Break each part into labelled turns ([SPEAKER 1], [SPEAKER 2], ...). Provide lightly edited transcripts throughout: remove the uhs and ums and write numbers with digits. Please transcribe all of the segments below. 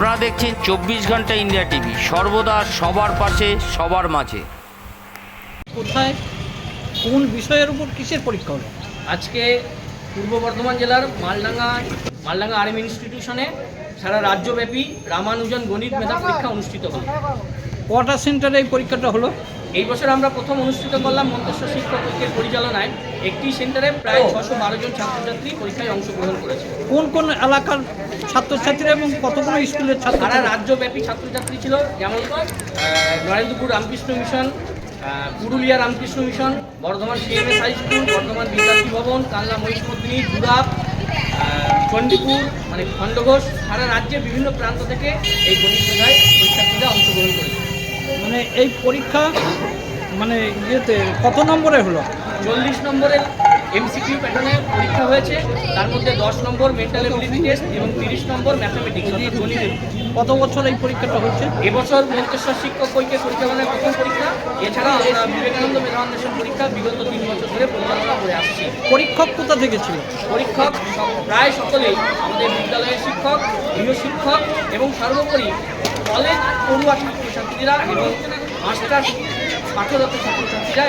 [SPEAKER 1] আপনারা দেখছেন 24 ঘন্টা ইন্ডিয়া টিভি, সর্বদা সবার পাশে সবার মাঝে।
[SPEAKER 2] কোথায় কোন বিষয়ের উপর কিসের পরীক্ষা হলো?
[SPEAKER 3] আজকে পূর্ব বর্ধমান জেলার মালডাঙ্গা আরএম ইনস্টিটিউশনে সারা রাজ্যব্যাপী রামানুজন গণিত মেধা পরীক্ষা অনুষ্ঠিত হলো।
[SPEAKER 2] কটা সেন্টারে এই পরীক্ষাটা হলো?
[SPEAKER 3] এই বছর আমরা প্রথম অনুষ্ঠিত করলাম মন্তেশ্বর শিক্ষক ঐক্যের পরিচালনায়। একটি সেন্টারে প্রায় 612 জন ছাত্রছাত্রী পরীক্ষায় অংশগ্রহণ করেছে।
[SPEAKER 2] কোন কোন এলাকার ছাত্রছাত্রীরা এবং কতগুলো স্কুলের ছাত্র?
[SPEAKER 3] সারা রাজ্যব্যাপী ছাত্রছাত্রী ছিল, যেমন Narendrapur Ramakrishna mission, Purulia Ramakrishna mission, Bardhaman CMS high school, Bardhaman Vidyarthi Bhavan, Kalna Mahishamardini, দুরাপ, Chandipur, মানে খণ্ডঘোষ, সারা রাজ্যের বিভিন্ন প্রান্ত থেকে এই গণিত মেধায় পরীক্ষার্থীরা অংশগ্রহণ করেছে।
[SPEAKER 2] মানে এই পরীক্ষা মানে ইয়েতে কত নম্বরে হলো?
[SPEAKER 3] 40 নম্বরের এমসিকিউ প্যাটার্নে পরীক্ষা হয়েছে, তার মধ্যে 10 নম্বর মেন্টাল এবিলিটি টেস্ট এবং 30 নম্বর ম্যাথামেটিক্স অর্থাৎ গণিতের।
[SPEAKER 2] কত বছর এই পরীক্ষাটা হচ্ছে?
[SPEAKER 3] এবছর মন্তেশ্বর শিক্ষক ঐক্যের পরিচালনায় প্রথম পরীক্ষা। এছাড়া আমরা বিবেকানন্দ মেধা অন্বেষণ পরীক্ষা বিগত 3 বছর ধরে পরিচালনা করে আসছি।
[SPEAKER 2] পরীক্ষক কোথা থেকে ছিল?
[SPEAKER 3] পরীক্ষক প্রায় সকলেই আমাদের বিদ্যালয়ের শিক্ষক, গৃহশিক্ষক এবং সর্বোপরি কলেজ পড়ুয়া ছাত্রছাত্রীরা এবং মাস্টার পাঠরত ছাত্রছাত্রীরা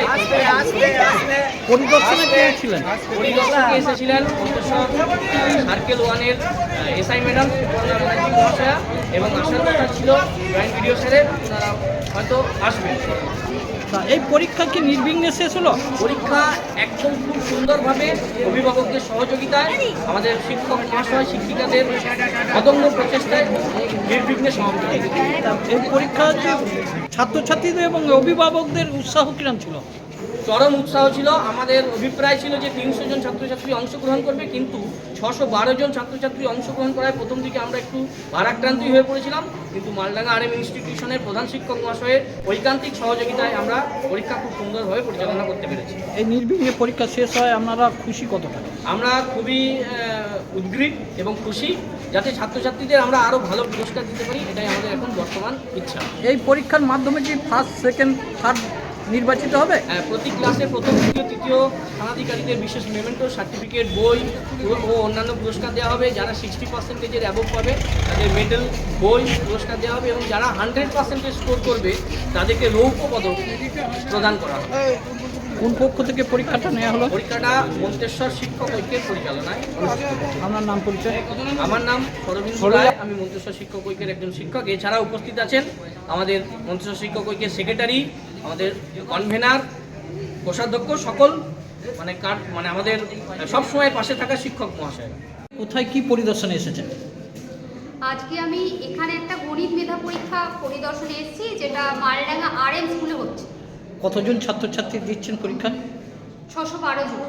[SPEAKER 2] পরিদর্শনে কে ছিলেন?
[SPEAKER 3] পরিদর্শকে এসেছিলেন মন্তেশ্বর সার্কেল 1-এর এসআই ম্যাডাম সুপর্ণা ব্যানার্জি মহাশয়া, এবং আসার কথা ছিল জয়েন্ট ভিডিও স্যারের, ওনারা হয়তো আসবেন।
[SPEAKER 2] তা এই পরীক্ষা কি নির্বিঘ্নে শেষ হলো?
[SPEAKER 3] পরীক্ষা একদম খুব সুন্দরভাবে অভিভাবকদের সহযোগিতায়, আমাদের শিক্ষক মহাশয় শিক্ষিকাদের অদম্য প্রচেষ্টায় নির্বিঘ্নে সমাপ্ত হয়েছে।
[SPEAKER 2] এই পরীক্ষা যে ছাত্রছাত্রীদের এবং অভিভাবকদের উৎসাহ কিরম ছিল?
[SPEAKER 3] চরম উৎসাহ ছিল। আমাদের অভিপ্রায় ছিল যে 300 জন ছাত্রছাত্রী অংশগ্রহণ করবে, কিন্তু 612 জন ছাত্রছাত্রী অংশগ্রহণ করায় প্রথম দিকে আমরা একটু ভারাক্রান্তই হয়ে পড়েছিলাম, কিন্তু মালডাঙ্গা আরএম ইনস্টিটিউশনের প্রধান শিক্ষক মহাশয়ের ঐকান্তিক সহযোগিতায় আমরা পরীক্ষা খুব সুন্দরভাবে পরিচালনা করতে পেরেছি।
[SPEAKER 2] এই নির্বিঘ্নে পরীক্ষা শেষ হয়, আপনারা খুশি কতটা?
[SPEAKER 3] আমরা খুবই উদ্গ্রীব এবং খুশি, যাতে ছাত্রছাত্রীদের আমরা আরও ভালো পুরস্কার দিতে পারি, এটাই আমাদের এখন বর্তমান ইচ্ছা।
[SPEAKER 2] এই পরীক্ষার মাধ্যমে কি ফার্স্ট, সেকেন্ড, থার্ড নির্বাচিত হবে?
[SPEAKER 3] প্রতি ক্লাসে প্রথম, দ্বিতীয়, তৃতীয় স্থানাধিকারীদের বিশেষ মেমেন্টো, সার্টিফিকেট, বই ও অন্যান্য পুরস্কার দেওয়া হবে। যারা 60%-এর অ্যাবভ পাবে তাদের মেডেল, বই পুরস্কার দেওয়া হবে, এবং যারা 100% স্কোর করবে তাদেরকে রৌপ্য পদক প্রদান করা হবে।
[SPEAKER 2] কোন পক্ষ থেকে পরীক্ষাটা নেওয়া হলো?
[SPEAKER 3] পরীক্ষাটা মন্তেশ্বর শিক্ষক ঐক্যের পরিচালনায় অনুষ্ঠিত হয়েছে।
[SPEAKER 2] আপনার নাম পরিচয়?
[SPEAKER 3] আমার নাম সরবিন্দু রায়, আমি মন্তেশ্বর শিক্ষক ঐক্যের একজন শিক্ষক। এছাড়া উপস্থিত আছেন আমাদের মন্তেশ্বর শিক্ষক ঐক্যের সেক্রেটারি, আমাদের কনভেনার, কোষাধ্যক্ষ, সকল মানে আমাদের সবসময় পাশে থাকা শিক্ষক মহাশয়।
[SPEAKER 2] কোথায় কি পরিদর্শনে এসেছেন?
[SPEAKER 4] আজকে আমি এখানে একটা গণিত মেধা পরীক্ষা পরিদর্শনে এসেছি, যেটা মালডাঙ্গা আরএম স্কুলে হচ্ছে।
[SPEAKER 2] কতজন ছাত্রছাত্রী দিচ্ছেন পরীক্ষা?
[SPEAKER 4] 612 জন।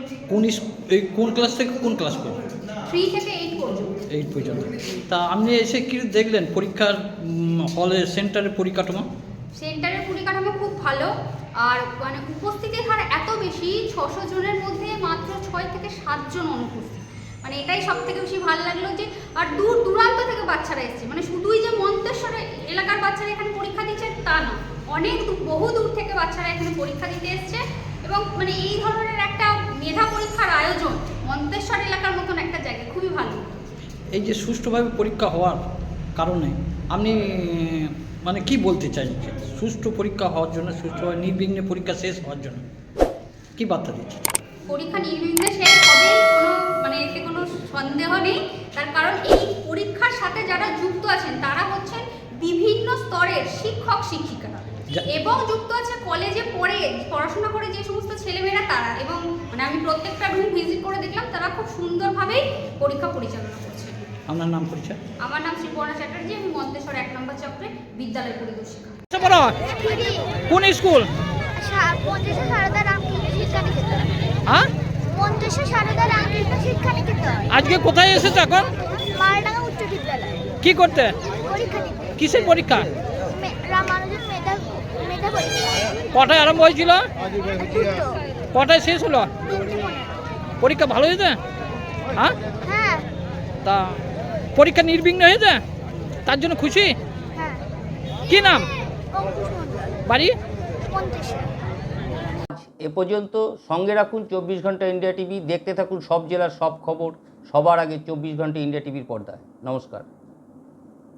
[SPEAKER 2] কোন ক্লাস থেকে কোন ক্লাস পর্যন্ত?
[SPEAKER 4] 3 থেকে 8 পর্যন্ত।
[SPEAKER 2] 8 পর্যন্ত। তা আপনি এসে কি দেখলেন পরীক্ষার হলে, সেন্টারের পরিকাঠামো?
[SPEAKER 4] সেন্টারের পরিকাঠামো খুব ভালো, আর মানে উপস্থিতির হার এত বেশি, 600 জনের মধ্যে মাত্র 6 থেকে 7 জন অনুপস্থিত। মানে এটাই সব থেকে বেশি ভালো লাগলো, যে আর দূর দূরান্ত থেকে বাচ্চারা এসছে। মানে শুধুই যে মন্তেশ্বর এলাকার বাচ্চারা এখানে পরীক্ষা দিচ্ছে তা না, অনেক বহু দূর থেকে বাচ্চারা এখানে পরীক্ষা দিতে এসছে। এবং মানে এই ধরনের একটা মেধা পরীক্ষার আয়োজন মন্তেশ্বর এলাকার মতন একটা জায়গায় খুবই ভালো।
[SPEAKER 2] এই যে সুষ্ঠুভাবে পরীক্ষা হওয়ার কারণে আপনি মানে কি বলতে চাইছেন? সুষ্ঠু পরীক্ষা হওয়ার জন্য, সুষ্ঠুভাবে নির্বিঘ্নে পরীক্ষা শেষ হওয়ার জন্য কি বার্তা দিচ্ছেন?
[SPEAKER 4] পরীক্ষা নির্বিঘ্নে শেষ হবে, মানে এতে কোনো সন্দেহ নেই। তার কারণ এই পরীক্ষার সাথে যারা যুক্ত আছেন তারা হচ্ছেন বিভিন্ন স্তরের শিক্ষক শিক্ষিকারা, এবং যুক্ত আছে কলেজে পড়াশোনা করে যে সমস্ত ছেলেমেয়েরা তারা। এবং মানে আমি প্রত্যেকটা রুম ভিজিট করে দেখলাম, তারা খুব সুন্দরভাবেই পরীক্ষা পরিচালনা করছে।
[SPEAKER 2] আপনার নাম পরিচয়?
[SPEAKER 4] আমার নাম সুপর্ণা চ্যাটার্জি, আমি মন্তেশ্বর 1 নম্বর চক্রে বিদ্যালয় পরিদর্শিকা।
[SPEAKER 2] কোন স্কুল?
[SPEAKER 5] মন্তেশ্বর সারদা রামকৃষ্ণ শিক্ষা নিকেতন।
[SPEAKER 2] হ্যাঁ,
[SPEAKER 5] মন্তেশ্বর সারদা রামকৃষ্ণ শিক্ষা নিকেতন।
[SPEAKER 2] আজকে কোথায় এসেছো এখন?
[SPEAKER 5] মালডাঙ্গা উচ্চ বিদ্যালয়।
[SPEAKER 2] কি করতে?
[SPEAKER 5] পরীক্ষা দিতে।
[SPEAKER 2] কিসের পরীক্ষা?
[SPEAKER 5] রামানুজন মেধা পরীক্ষা।
[SPEAKER 2] কটায় আরম্ভ হয়েছিল?
[SPEAKER 5] দুটো।
[SPEAKER 2] কটায় শেষ হলো?
[SPEAKER 5] 2:15।
[SPEAKER 2] পরীক্ষা ভালো হয়েছে? হ্যাঁ,
[SPEAKER 5] হ্যাঁ
[SPEAKER 2] তা পরীক্ষা নির্বিঘ্নে হয়েছে, তার জন্য খুশি?
[SPEAKER 5] হ্যাঁ।
[SPEAKER 2] কি নাম?
[SPEAKER 5] অঙ্কুশ মণ্ডল,
[SPEAKER 2] বাড়ি?
[SPEAKER 5] মন্তেশ্বর।
[SPEAKER 1] এ পর্যন্ত সঙ্গে রাখুন 24 ঘন্টা ইন্ডিয়া টিভি, দেখতে থাকুন সব জেলার সব খবর সবার আগে 24 ঘন্টা ইন্ডিয়া টিভির পর্দায়। নমস্কার।